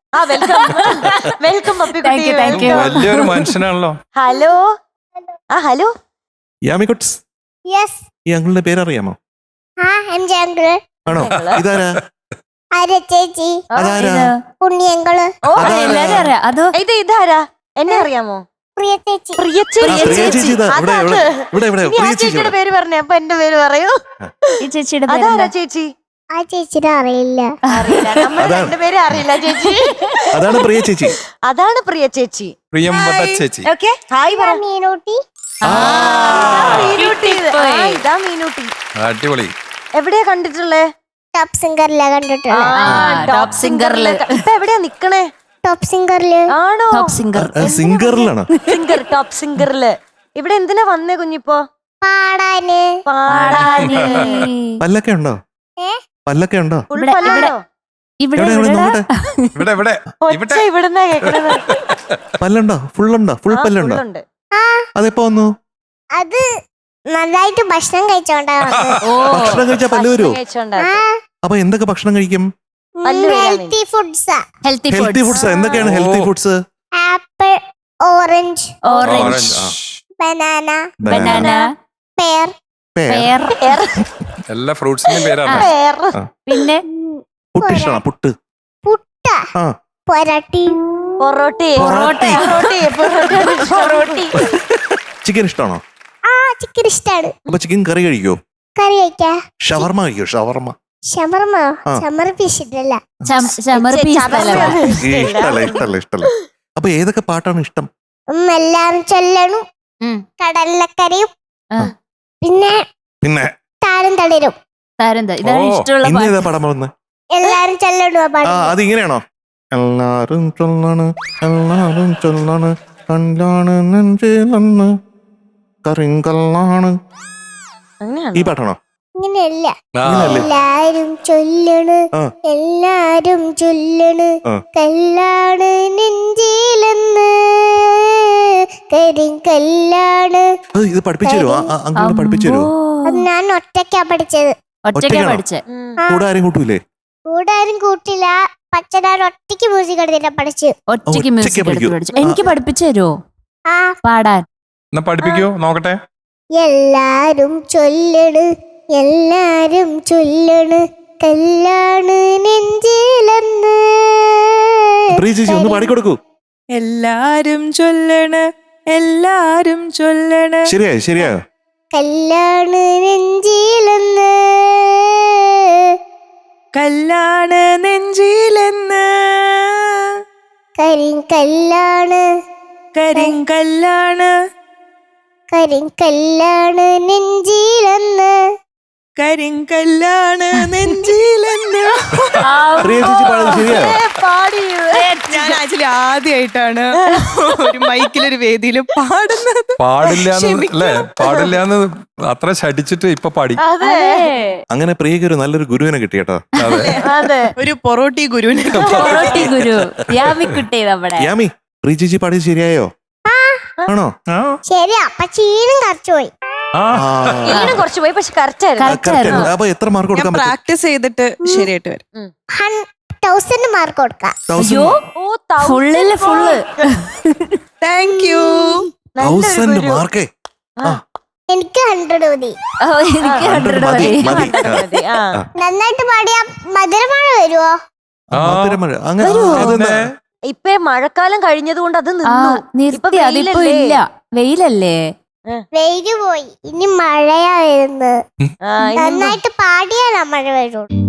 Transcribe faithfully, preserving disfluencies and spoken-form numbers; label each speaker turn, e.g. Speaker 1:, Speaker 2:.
Speaker 1: ആ welcome welcome പപ്പിക്കുട്ടി.
Speaker 2: വലിയൊരു മനുഷ്യനാണല്ലോ.
Speaker 1: ഹലോ ആ ഹലോ
Speaker 3: യാമിക്കുട്സ്,
Speaker 4: യെസ്.
Speaker 3: ഈ അങ്കിളിന്റെ പേരറിയാമോ?
Speaker 4: ആ എം ജെ അങ്കിൾ.
Speaker 3: ആണോ? ഇതാരാ?
Speaker 4: ആര്യ ചേച്ചി.
Speaker 3: അതാരാ?
Speaker 4: ഉണ്ണി അങ്കിള്.
Speaker 1: ഓ
Speaker 5: എല്ലാരും അറിയാം. അതോ
Speaker 1: ഇത് ഇതാരാ? എന്നെ അറിയാമോ?
Speaker 4: പ്രിയ ചേച്ചി.
Speaker 1: പ്രിയ
Speaker 3: ആ, പ്രിയ ചേച്ചി ഇതാ. ഇവിടെ, ഇവിടെ, ഇവിടെ, ഇവിടെ.
Speaker 1: ഇനി ആ
Speaker 3: പ്രിയ ചേച്ചി
Speaker 1: ചേച്ചിയുടെ
Speaker 3: ഇവിടെ.
Speaker 1: പേര് പറഞ്ഞേ, അപ്പൊ എന്റെ പേര് പറയൂ.
Speaker 5: ഈ ചേച്ചിയുടെ
Speaker 1: അതാരാ
Speaker 5: പേരെന്താ?
Speaker 1: ചേച്ചി?
Speaker 4: ആ ചേച്ചിയുടെ അറിയില്ല.
Speaker 1: അറിയില്ല, നമ്മുടെ
Speaker 3: അതാണ്.
Speaker 1: രണ്ടുപേരെ അറിയില്ല ചേച്ചി.
Speaker 3: അതാണ് പ്രിയ ചേച്ചി.
Speaker 1: അതാണ് പ്രിയ ചേച്ചി.
Speaker 2: പ്രിയംവദ ചേച്ചി.
Speaker 1: ഓക്കെ ഹായ് പറ.
Speaker 4: മീനൂട്ടി.
Speaker 3: ആ,
Speaker 1: മീനൂട്ടി. ആ, ഇതാ മീനൂട്ടി.
Speaker 2: അടിപൊളി.
Speaker 1: എവിടെയാ കണ്ടിട്ടുള്ളേ?
Speaker 4: ടോപ്പ് സിംഗറിലാ കണ്ടിട്ടുള്ളത്.
Speaker 5: ആ, ടോപ്പ് സിംഗറില്.
Speaker 1: ഇപ്പൊ എവിടെയാ നിക്കണേ?
Speaker 4: ടോപ്പ് സിംഗറില്.
Speaker 1: ആണോ?
Speaker 5: Top singer.
Speaker 3: ആ, സിംഗറിലാണോ?
Speaker 1: Singer, top സിംഗറില്. ഇവിടെ എന്തിനാ വന്നേ കുഞ്ഞിപ്പോ?
Speaker 4: പാടാന്.
Speaker 1: പാടാന്.
Speaker 3: പല്ലൊക്കെ ഉണ്ടോ?
Speaker 4: ഏ?
Speaker 3: പല്ലൊക്കെ ഉണ്ടോ?
Speaker 1: ഫുൾ
Speaker 5: ഇവിടെ,
Speaker 1: പല്ലാണോ?
Speaker 5: ഇവിടെ
Speaker 3: എവിടെ, എവിടെ, നോക്കട്ടെ.
Speaker 2: ഇവിടെ ഇവിടെ
Speaker 1: ഒച്ച ഇവിടുന്നാ കേക്കണത്.
Speaker 3: പല്ലുണ്ടോ? ഫുള്ളുണ്ടോ? ഫുൾ
Speaker 1: ആ,
Speaker 3: പല്ലുണ്ടോ?
Speaker 1: full ഉണ്ട്.
Speaker 4: ആ
Speaker 3: അതെപ്പോ വന്നു?
Speaker 4: അത് നന്നായിട്ട് ഭക്ഷണം കഴിച്ചോണ്ടാ വന്നത്.
Speaker 5: ഓ,
Speaker 3: ഭക്ഷണം കഴിച്ചാൽ പല്ല് വരുമോ?
Speaker 1: ഭക്ഷണം കഴിച്ചോണ്ടാ.
Speaker 4: ആ
Speaker 3: അപ്പൊ എന്തൊക്കെ ഭക്ഷണം കഴിക്കും?
Speaker 1: പല്ല് വരാൻ
Speaker 4: ഹെൽത്തി ഫുഡ്സാ.
Speaker 5: Healthy
Speaker 3: healthy
Speaker 5: foods.
Speaker 3: ഫുഡ്സ്. എന്തൊക്കെയാണ് ഹെൽത്തി
Speaker 2: ഓ.
Speaker 3: Foods?
Speaker 4: Apple, orange,
Speaker 5: orange,
Speaker 2: orange. ആ.
Speaker 4: Banana,
Speaker 5: banana,
Speaker 4: pear,
Speaker 3: pear.
Speaker 5: പേർ,
Speaker 2: എല്ലാ ഫ്രൂട്ട്സിന്റെയും പേരാണ്.
Speaker 1: പേര്.
Speaker 5: പിന്നെ
Speaker 3: പുട്ട് ഇഷ്ടമാണോ? പുട്ട്.
Speaker 4: പുട്ട,
Speaker 3: ആ.
Speaker 4: പൊരട്ടി,
Speaker 1: പൊറോട്ടി.
Speaker 5: പൊറോട്ടി.
Speaker 1: പൊറോട്ടി. പൊറോട്ടി.
Speaker 3: ചിക്കൻ ഇഷ്ടമാണോ?
Speaker 4: ആ ചിക്കൻ ഇഷ്ടാണ്.
Speaker 3: അപ്പൊ ചിക്കൻ കറി കഴിക്കോ?
Speaker 4: കറി കഴിക്കാ.
Speaker 3: ഷവർമ കഴിക്കോ? ഷവർമ.
Speaker 4: ഷമർമ
Speaker 3: ആ.
Speaker 4: ചമർപ്പിച്ചിട്ടല്ല.
Speaker 5: ചം- ചമർപ്പി
Speaker 1: ചമർപ്പി.
Speaker 5: സ്ഥലം.
Speaker 3: ഈ ഇഷ്ടല്ല, ഇഷ്ടല്ല, ഇഷ്ടല്ല. അപ്പൊ ഏതൊക്കെ പാട്ടാണ് ഇഷ്ടം?
Speaker 4: എല്ലാരും ചൊല്ലണു.
Speaker 5: ഉം.
Speaker 4: കടലക്കരയും
Speaker 5: ആ.
Speaker 4: പിന്നെ
Speaker 3: പിന്നെ
Speaker 4: താരം തളിരും.
Speaker 5: താരെന്താ? ഇതാണ്
Speaker 2: ഓ,
Speaker 5: ഇഷ്ടമുള്ള
Speaker 3: ഇന്ന്
Speaker 5: പാട്ട്.
Speaker 3: ഏതാ പടം വന്ന്?
Speaker 4: എല്ലാരും ചൊല്ലണു ആ
Speaker 3: ആ,
Speaker 4: പാട്ട്.
Speaker 3: അതിങ്ങനെയാണോ? എല്ലാരും ചൊല്ലാണ്, എല്ലാരും ചൊല്ലാണ്, കല്ലാണ് നെഞ്ചിലന്ന് കരിങ്കല്ലാണ്. ഈ
Speaker 1: അങ്ങനെയാണോ?
Speaker 3: പാട്ടാണോ?
Speaker 4: ഇങ്ങനെയല്ല.
Speaker 2: ആ.
Speaker 3: ഇങ്ങനെയല്ലേ?
Speaker 4: എല്ലാരും ചൊല്ലണ്,
Speaker 3: ആ.
Speaker 4: എല്ലാരും ചൊല്ലണ്,
Speaker 3: ആ.
Speaker 4: കല്ലാണ് നെഞ്ചിലെന്ന് കരിങ്കല്ലാണ്.
Speaker 3: അത് ഇത് പഠിപ്പിച്ചു തരുമോ? അങ്ങനെ പഠിപ്പിച്ചു തരുമോ?
Speaker 4: അത് ഞാൻ ഒറ്റയ്ക്കാ പഠിച്ചത്.
Speaker 5: ഒറ്റയ്ക്കാ
Speaker 3: ഒറ്റയ്ക്കാണോ?
Speaker 5: പഠിച്ചേ.
Speaker 1: ഉം.
Speaker 4: ആ.
Speaker 3: കൂടെ ആരും കൂട്ടൂലേ?
Speaker 4: കൂടെ ആരും കൂട്ടില്ല. പച്ചനാട് ഒറ്റയ്ക്ക് മ്യൂസിക് എടുത്തിട്ടാ പഠിച്ചു.
Speaker 5: ഒറ്റയ്ക്ക്
Speaker 3: ഒറ്റയ്ക്ക്
Speaker 5: മ്യൂസിക് എടുത്ത്
Speaker 3: പഠിക്കൂ.
Speaker 5: പഠിച്ചു. എനിക്ക് പഠിപ്പിച്ചു തരുമോ
Speaker 4: ആ
Speaker 5: പാടാൻ?
Speaker 2: എന്നാ പഠിപ്പിക്കോ നോക്കട്ടെ.
Speaker 4: എല്ലാരും ചൊല്ലണ്, എല്ലാരും ചൊല്ലണ്, കല്ലാണ് നെഞ്ചിലെന്ന്
Speaker 3: പ്രിയ ചേച്ചി ഒന്ന് പാടിക്കൊടുക്കൂ.
Speaker 6: എല്ലാരും ചൊല്ലണ്, എല്ലാരും ചൊല്ലണ്.
Speaker 3: ശരിയായോ? ശരിയായോ?
Speaker 4: കല്ലാണ് നെഞ്ചിലെന്ന്
Speaker 6: കല്ലാണ് നെഞ്ചിലെന്ന്
Speaker 4: കരിങ്കല്ലാണ്
Speaker 6: കരിങ്കല്ലാണ്
Speaker 4: കരിങ്കല്ലാണ് നെഞ്ചിലെന്ന്.
Speaker 6: കരിങ്കല്ലാണ് നെഞ്ചിലെന്ന്.
Speaker 3: പ്രിയ ചേച്ചി പാടുന്നത് ശരിയായോ?
Speaker 1: ഏ, പാടി.
Speaker 6: ഞാൻ ആക്ച്വലി ആദ്യമായിട്ടാണ് ഒരു മൈക്കിലൊരു വേദിയില് പാടുന്നത്.
Speaker 2: പാടില്ലാന്ന് അല്ലേ? പാടില്ലാന്ന് അത്ര ശടിച്ചിട്ട് ഇപ്പൊ പാടി.
Speaker 1: അതെ
Speaker 3: അങ്ങനെ പ്രിയക്ക് ഒരു നല്ലൊരു ഗുരുവിനെ കിട്ടി കേട്ടോ.
Speaker 2: അതെ.
Speaker 1: അതെ.
Speaker 6: ഒരു പൊറോട്ടി ഗുരുവിനെ.
Speaker 5: പൊറോട്ടി ഗുരു യാമിക്കുട്ടി നമ്മുടെ.
Speaker 3: യാമി, പ്രിയ ചേച്ചി പാടിയത് ശരിയായോ? ആണോ?
Speaker 2: ആ.
Speaker 4: ശരി, അപ്പൊ ചീനും കറച്ചുപോയി.
Speaker 2: ആ.
Speaker 3: ആ,
Speaker 1: ഈനും കുറച്ച് പോയി, പക്ഷെ കറക്റ്റ് ആയിരുന്നു.
Speaker 5: Correct
Speaker 3: correct
Speaker 5: ആയിരുന്നു.
Speaker 3: ആണ്. അപ്പൊ എത്ര മാർക്ക്
Speaker 6: ഞാൻ
Speaker 3: കൊടുക്കാൻ പറ്റും?
Speaker 6: പ്രാക്ടീസ് ചെയ്തിട്ട് ശരിയായിട്ട് വരും.
Speaker 4: തൗസൻഡ് മാർക്ക് കൊടുക്കാം.
Speaker 5: അയ്യോ,
Speaker 1: ഓ, thousand
Speaker 5: ഫുള്ളില് ഫുള്ള്.
Speaker 6: Thank you.
Speaker 1: നല്ലൊരു
Speaker 3: തൗസൻഡ്
Speaker 1: ഗുരു.
Speaker 3: മാർക്കേ. ആ,
Speaker 4: എനിക്ക് ഹൺഡ്രഡ് മതി.
Speaker 5: ഓ, എനിക്ക്
Speaker 3: ആ,
Speaker 5: ഹൺഡ്രഡ്
Speaker 3: മതി,
Speaker 5: മതി.
Speaker 3: മതി.
Speaker 1: മതി. ആ.
Speaker 4: നന്നായിട്ട് പാടിയാ മധുരമഴ വരുവോ?
Speaker 2: ആ.
Speaker 3: മധുരമഴ. അങ്ങനെ
Speaker 5: വരുവോ?
Speaker 3: അതെന്താ?
Speaker 1: ഇപ്പൊ മഴക്കാലം കഴിഞ്ഞത് കൊണ്ട് അത്
Speaker 5: ആ,
Speaker 1: നിന്നു. ഇപ്പൊ
Speaker 5: നിർത്തി. അതിപ്പോ
Speaker 1: വെയിലല്ലേ?
Speaker 5: ഇല്ല. വെയിലല്ലേ?
Speaker 4: വെയില് പോയി, ഇനി മഴയാ വരുന്നത്.
Speaker 1: ആ, ഇനി
Speaker 4: നന്നായിട്ട് പാടിയാലാ മഴ വരുള്ളൂ.